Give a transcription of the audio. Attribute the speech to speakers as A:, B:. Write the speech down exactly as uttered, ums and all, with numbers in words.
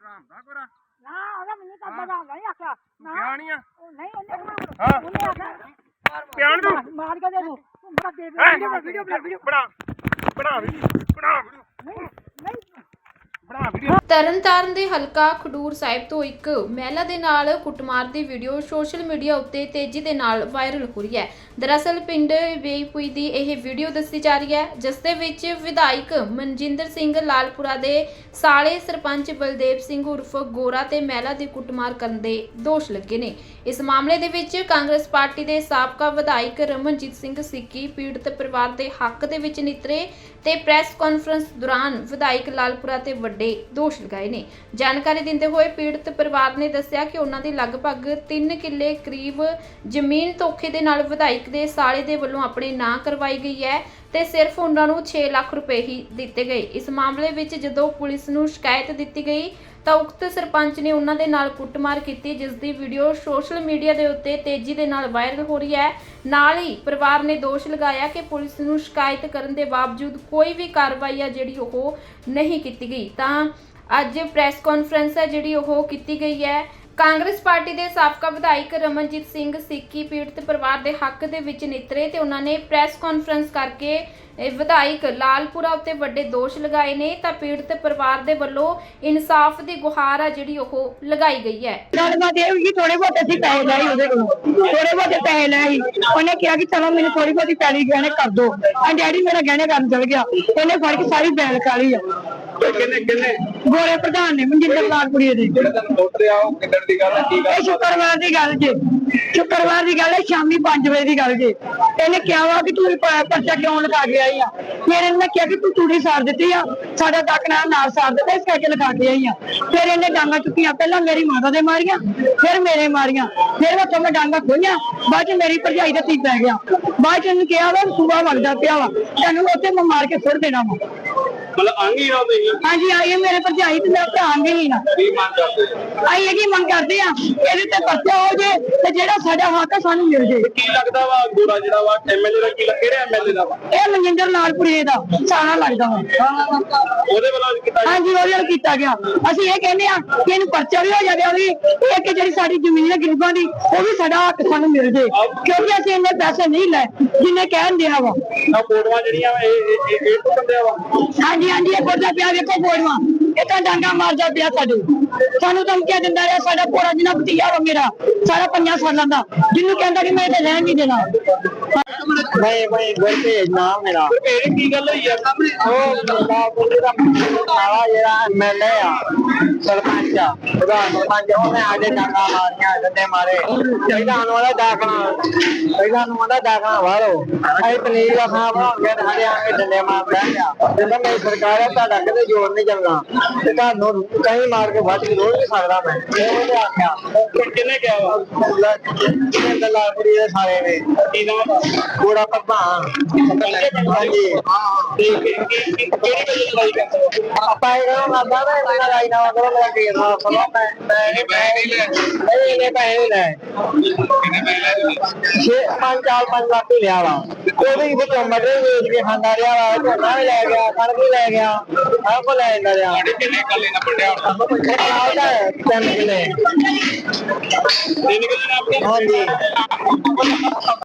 A: ਰਾਮਦਾ ਕੋਰਾ
B: ਨਾ ਉਹਦਾ ਮੈਨੂੰ ਤਾਂ ਪਤਾ ਨਹੀਂ ਆਖਿਆ ਨਾ
A: ਪਿਆਣੀ ਆ
B: ਉਹ ਨਹੀਂ ਉਹਨੇ
A: ਹਾਂ
B: ਉਹਨੇ ਆਖਿਆ
A: ਪਿਆਣ ਤੂੰ
B: ਮਾਰ ਕੇ ਦੇ ਤੂੰ ਤੂੰ ਬੜਾ ਦੇ
A: ਵੀਡੀਓ ਵੀਡੀਓ ਵੀਡੀਓ ਬਣਾ ਬਣਾ ਵੀਡੀਓ ਬਣਾ ਵੀਡੀਓ
B: ਨਹੀਂ ਨਹੀਂ
A: ਬਣਾ ਵੀਡੀਓ।
C: ਤਰਨਤਾਰਨ ਦੇ ਹਲਕਾ ਖਡੂਰ ਸਾਹਿਬ ਤੋਂ ਇੱਕ ਮਹਿਲਾ ਦੇ ਨਾਲ ਕੁੱਟਮਾਰ ਦੀ ਵੀਡੀਓ ਸੋਸ਼ਲ ਮੀਡੀਆ ਉੱਤੇ ਤੇਜ਼ੀ ਦੇ ਨਾਲ ਵਾਇਰਲ ਹੋ ਰਹੀ ਹੈ। ਦਰਅਸਲ ਪਿੰਡ ਵੇਈਪੁਈ ਦੀ ਇਹ ਵੀਡੀਓ ਦੱਸੀ ਜਾ ਰਹੀ ਹੈ, ਜਿਸ ਦੇ ਵਿੱਚ ਵਿਧਾਇਕ ਮਨਜਿੰਦਰ ਸਿੰਘ ਲਾਲਪੁਰਾ ਦੇ ਸਾਲੇ ਸਰਪੰਚ ਬਲਦੇਵ ਸਿੰਘ ਉਰਫ ਗੋਰਾ ਤੇ ਮਹਿਲਾ ਦੀ ਕੁੱਟਮਾਰ ਕਰਨ ਦੇ ਦੋਸ਼ ਲੱਗੇ ਨੇ। ਇਸ ਮਾਮਲੇ ਦੇ ਵਿੱਚ ਕਾਂਗਰਸ ਪਾਰਟੀ ਦੇ ਸਾਬਕਾ ਵਿਧਾਇਕ ਰਮਨਜੀਤ ਸਿੰਘ ਸਿੱਕੀ ਪੀੜਤ ਪਰਿਵਾਰ ਦੇ ਹੱਕ ਦੇ ਵਿੱਚ ਨਿਤਰੇ ਤੇ ਪ੍ਰੈਸ ਕਾਨਫਰੰਸ ਦੌਰਾਨ ਵਿਧਾਇਕ ਲਾਲਪੁਰਾ ਤੇ ਵੱਡੇ ਦੋਸ਼ ਲਗਾਏ ਨੇ। ਜਾਣਕਾਰੀ ਦਿੰਦੇ ਹੋਏ ਪੀੜਤ ਪਰਿਵਾਰ ਨੇ ਦੱਸਿਆ ਕਿ ਉਹਨਾਂ ਦੀ ਲਗਭਗ ਤਿੰਨ ਕਿੱਲੇ ਕਰੀਬ ਜ਼ਮੀਨ ਧੋਖੇ ਦੇ ਨਾਲ ਵਿਧਾਇਕ ਦੇ ਸਾਲੇ ਦੇ ਵੱਲੋਂ ਆਪਣੇ ਨਾਂ ਕਰਵਾਈ ਗਈ ਹੈ ਤੇ ਸਿਰਫ ਉਹਨਾਂ ਨੂੰ ਛੇ ਲੱਖ ਰੁਪਏ ਹੀ ਦਿੱਤੇ ਗਏ। ਇਸ ਮਾਮਲੇ ਵਿੱਚ ਜਦੋਂ ਪੁਲਿਸ ਨੂੰ ਸ਼ਿਕਾਇਤ ਦਿੱਤੀ ਗਈ ਤਾਂ ਉਕਤ ਸਰਪੰਚ ਨੇ ਉਹਨਾਂ ਦੇ ਨਾਲ ਕੁੱਟਮਾਰ ਕੀਤੀ, ਜਿਸ ਦੀ ਵੀਡੀਓ ਸੋਸ਼ਲ ਮੀਡੀਆ ਦੇ ਉੱਤੇ ਤੇਜ਼ੀ ਦੇ ਨਾਲ ਵਾਇਰਲ ਹੋ ਰਹੀ ਹੈ। ਨਾਲ ਹੀ ਪਰਿਵਾਰ ਨੇ ਦੋਸ਼ ਲਗਾਇਆ ਕਿ ਪੁਲਿਸ ਨੂੰ ਸ਼ਿਕਾਇਤ ਕਰਨ ਦੇ ਬਾਵਜੂਦ ਕੋਈ ਵੀ ਕਾਰਵਾਈ ਆ ਜਿਹੜੀ ਉਹ ਨਹੀਂ ਕੀਤੀ ਗਈ। ਤਾਂ ਅੱਜ ਪ੍ਰੈਸ ਕਾਨਫਰੰਸ ਹੈ ਜਿਹੜੀ ਉਹ ਕੀਤੀ ਗਈ ਹੈ। ਕਾਂਗਰਸ ਪਾਰਟੀ ਦੇ ਸਾਬਕਾ ਵਿਧਾਇਕ ਰਮਨਜੀਤ ਸਿੰਘ ਸਿੱਕੀ ਪੀੜਤ ਪਰਿਵਾਰ ਦੇ ਹੱਕ ਦੇ ਵਿੱਚ ਨਿਤਰੇ ਤੇ ਉਹਨਾਂ ਨੇ ਪ੍ਰੈਸ ਕਾਨਫਰੰਸ ਕਰਕੇ ਵਿਧਾਇਕ ਲਾਲਪੁਰਾ ਉੱਤੇ ਵੱਡੇ ਦੋਸ਼ ਲਗਾਏ ਨੇ। ਤਾਂ ਪੀੜਤ ਪਰਿਵਾਰ ਦੇ ਵੱਲੋਂ ਇਨਸਾਫ ਦੀ ਗੁਹਾਰ ਆ ਜਿਹੜੀ ਉਹ ਲਗਾਈ ਗਈ ਹੈ।
B: ਗੱਲਬਾਤ ਇਹ ਹੋਈ ਥੋੜੇ ਬਹੁਤ ਅਸੀਂ ਪੈਸੇ ਲਏ ਉਹਦੇ ਕੋਲੋਂ, ਥੋੜੇ ਬਹੁਤ ਪੈਸੇ ਲਏ। ਉਹਨੇ ਕਿਹਾ ਕਿ ਚਲੋ ਮੈਨੂੰ ਥੋੜੀ ਬਹੁਤੀ ਪੈਲੀ ਗਹਿਣੇ ਕਰ ਦੋ। ਆ ਡੈਡੀ ਮੇਰਾ ਗਹਿਣੇ ਕਰਨ ਚਲ ਗਿਆ, ਇਹਨੇ ਫੜ ਕੇ ਸਾਰੀ ਬੈਲ ਕਾਲੀ ਆ।
A: ਕਿੰਨੇ ਕਿੰਨੇ
B: ਗੋਰੇ ਪ੍ਰਧਾਨ ਨੇ ਮਨਜਿੰਦਰ ਲਾਲਪੁਰੀ ਦੇ।
A: ਜਿਹੜਾ ਤੁਹਾਨੂੰ ਉੱਤਰ ਆ ਉਹ ਕਿੱਦਣ ਦੀ ਗੱਲ ਹੈ? ਕੀ
B: ਇਹ ਸ਼ੁੱਕਰਵਾਰ ਦੀ ਗੱਲ ਜੇ, ਸ਼ੁੱਕਰਵਾਰ ਦੀ ਗੱਲ ਹੈ, ਸ਼ਾਮੀ ਪੰਜ ਵਜੇ ਦੀ ਗੱਲ ਜੇ। ਇਹਨੇ ਕਿਹਾ ਵਾ ਕਿ ਤੂੰ ਪਰਚਾ ਕਿਉਂ ਲਗਾ ਕੇ ਆਈ ਆ? ਫਿਰ ਇਹਨੇ ਕਿਹਾ ਕਿ ਤੂੰ ਤੂੜੀ ਸਾੜ ਦਿੱਤੀ ਆ, ਸਾਡਾ ਡੱਕ ਨਾਲ ਨਾਲ ਸਾੜ ਦਿੱਤਾ, ਇਸ ਕਰਕੇ ਲਗਾ ਕੇ ਆਈ ਆ। ਫਿਰ ਇਹਨੇ ਡਾਂਗਾ ਚੁੱਕੀਆਂ, ਪਹਿਲਾਂ ਮੇਰੀ ਮਾਤਾ ਦੇ ਮਾਰੀਆਂ, ਫਿਰ ਮੇਰੇ ਮਾਰੀਆਂ, ਫਿਰ ਉੱਥੋਂ ਮੈਂ ਡਾਂਗਾ ਖੋਈਆਂ। ਬਾਅਦ ਚ ਮੇਰੀ ਭਰਜਾਈ ਦਾ ਤੀ ਪੈ ਗਿਆ। ਬਾਅਦ ਚ ਇਹਨੂੰ ਕਿਹਾ ਵਾ ਸੂਬਾ ਵਗਦਾ ਪਿਆ ਵਾ, ਤੈਨੂੰ ਉੱਥੇ ਮੈਂ ਮਾਰ ਕੇ ਸੁੱਟ ਦੇਣਾ ਵਾ।
A: ਮਤਲਬ ਆਂਗੀ ਨਾ ਤੇ
B: ਹਾਂਜੀ ਆਈਏ ਮੇਰੇ ਭਰਜਾਈ ਤੇ ਮੇਰਾ ਭਰਾ ਆਂਗੇ ਨਾ।
A: ਕੀ ਮੰਗ ਕਰਦੇ
B: ਆਈ ਇਹ ਕੀ ਮੰਗ ਕਰਦੇ ਆ ਇਹਦੇ ਤੇ ਪਰਚਾ ਹੋ ਜੇ ਤੇ ਜਿਹੜਾ ਸਾਡਾ ਹੱਕ ਸਾਨੂੰ ਮਿਲ ਜੇ।
A: ਕੀ ਲੱਗਦਾ ਵਾ ਗੋਰਾ ਜਿਹੜਾ ਵਾ ਐਮਐਲਏ ਦਾ ਕੀ ਕਿਹੜੇ ਐਮਐਲਏ ਦਾ ਵਾ?
B: ਇਹ ਮਨਜਿੰਦਰ ਲਾਲਪੁਰੇ ਦਾ ਸਾਰਾ ਲੱਗਦਾ ਵਾ।
A: ਉਹਦੇ ਵੱਲੋਂ ਕੀਤਾ
B: ਹਾਂਜੀ ਉਹਦੇ ਨਾਲ ਕੀਤਾ ਗਿਆ। ਅਸੀਂ ਇਹ ਕਹਿੰਦੇ ਆ ਕਿ ਇਹਨੂੰ ਪਰਚਾ ਵੀ ਹੋ ਜਾਵੇ, ਉਹਦੀ ਇਹ ਕਿ ਜਿਹੜੀ ਸਾਡੀ ਜ਼ਮੀਨ ਹੈ ਗਰੀਬਾਂ ਦੀ ਉਹ ਵੀ ਸਾਡਾ ਹੱਕ ਸਾਨੂੰ ਮਿਲ ਜੇ, ਕਿਉਂਕਿ ਅਸੀਂ ਇੰਨੇ ਪੈਸੇ ਨਹੀਂ ਲੈ ਜਿੰਨੇ ਕਹਿਣ ਦਿਆ ਵਾ।
A: ਆ ਫੋਟੋਆਂ ਜਿਹੜੀਆਂ ਇਹ ਇਹ ਇਹ ਤੋਂ ਬੰਦੇ ਵਾ।
B: ਹਾਂਜੀ ਹਾਂਜੀ ਇਹ ਬੋਲਦਾ ਪਿਆ, ਵੇਖੋ ਫੋਟੋਆਂ, ਇਹ ਤਾਂ ਡਾਂਗਾ ਮਾਰਦਾ ਪਿਆ ਸਾਡੇ। ਸਾਨੂੰ ਧਮਕੀਆਂ ਦਿੰਦਾ ਰਿਹਾ। ਸਾਡਾ ਪੂਰਾ ਜਿੰਨਾ ਭਤੀਆ ਵਾ ਮੇਰਾ ਸਾਰਾ ਪੰਜਾਂ ਸਾਲਾਂ ਦਾ, ਜਿਹਨੂੰ ਕਹਿੰਦਾ ਕਿ ਮੈਂ ਇੱਥੇ ਰਹਿਣ ਨਹੀਂ ਦੇਣਾ।
D: ਨਹੀਂ ਭਾਈ ਗੁਰਤੇਜ ਨਾਮ ਮੇਰਾ।
A: ਇਹ ਕੀ ਗੱਲ ਹੋਈ ਆ ਸਾਹਮਣੇ?
D: ਉਹ ਲਾਲਪੁਰੇ ਦਾ ਸਾਲਾ ਜਿਹੜਾ ਐਮਐਲਏ ਆ, ਸਰਪੰਚ ਆ, ਉਹਦਾ ਸਰਪੰਚ, ਉਹਨੇ ਆਡੇ ਡਾਂਗਾ ਮਾਰੀਆਂ, ਡੰਡੇ ਮਾਰੇ। ਪਹਿਲਾਂ ਨੂੰ ਉਹਦਾ ਦਾਖਲਾ ਪਹਿਲਾਂ ਨੂੰ ਉਹਦਾ ਦਾਖਲਾ ਵਾਰੋ ਅਸੀਂ ਪਨੀਰ ਦਾ ਖਾਂ ਬਣਾਉਂਦੇ ਨੇ, ਸਾਡੇ ਆਂਗੇ ਡੰਡੇ ਮਾਰ ਬਹਿ ਗਿਆ। ਜਦੋਂ ਮੇਰੀ ਸਰਕਾਰ ਹੈ ਤੁਹਾਡਾ ਕਿਤੇ ਜੋਰ ਨਹੀਂ ਚੱਲਣਾ ਤੇ ਤੁਹਾਨੂੰ ਕਹੀਂ ਮਾਰ ਕੇ ਵੱਢ ਕੇ ਰੋੜ ਨਹੀਂ ਸਕਦਾ ਮੈਂ। ਇਹ ਉਹਨੇ ਆਖਿਆ।
A: ਕਿੰਨੇ ਕਿਹਾ ਵਾ?
D: ਲਾਲਪੁਰੀ ਦੇ ਸਾਰੇ ਨੇ
A: ਕੀ ਨਾਮ ਆ?
D: ਗੋਰਾ ਪ੍ਰਧਾਨ। ਹਾਂਜੀ
A: ਕਿਹੜੀ ਵਜ੍ਹਾ ਲੜਾਈ ਕਰਦੇ ਹੋ?
D: ਆਪਾਂ ਇਹ ਕਰੋ ਨਾ ਬਾਬਾ ਮੇਰਾ ਰਾਈ ਨਾ ਕਰੋ, ਮੇਰਾ ਕੇਸ ਨਾ ਸੁਣੋ। ਮੈਂ ਮੈਂ
A: ਪੈਸੇ ਨਹੀਂ ਲੈ
D: ਨਹੀਂ ਇਹਨੇ ਪੈਸੇ ਨਹੀਂ ਲੈ।
A: ਕਿੰਨੇ ਪੈਸੇ ਲੈ ਤੁਸੀਂ?
D: ਛੇ ਪੰਜ ਚਾਰ ਪੰਜ ਲੱਖ ਹੀ ਲਿਆ ਵਾ। ਉਹਦੇ ਵਿੱਚੋਂ ਮਟਰ ਵੇਚ ਕੇ ਖਾਂਦਾ ਰਿਹਾ ਵਾ, ਝੋਨਾ ਵੀ ਲੈ ਗਿਆ, ਕਣਕ ਵੀ ਲੈ ਗਿਆ, ਸਭ ਕੁਝ ਲੈ ਜਾਂਦਾ ਰਿਹਾ।
A: ਤੁਹਾਡੇ ਕਿੰਨੇ ਕੱਲੇ ਨਾ ਪੜਿਆ?
D: ਉਹਦਾ ਤਿੰਨ ਕਿੱਲੇ।
A: ਤਿੰਨ ਕਿੱਲੇ ਨਾ ਆਪਣੇ?
D: ਹਾਂਜੀ।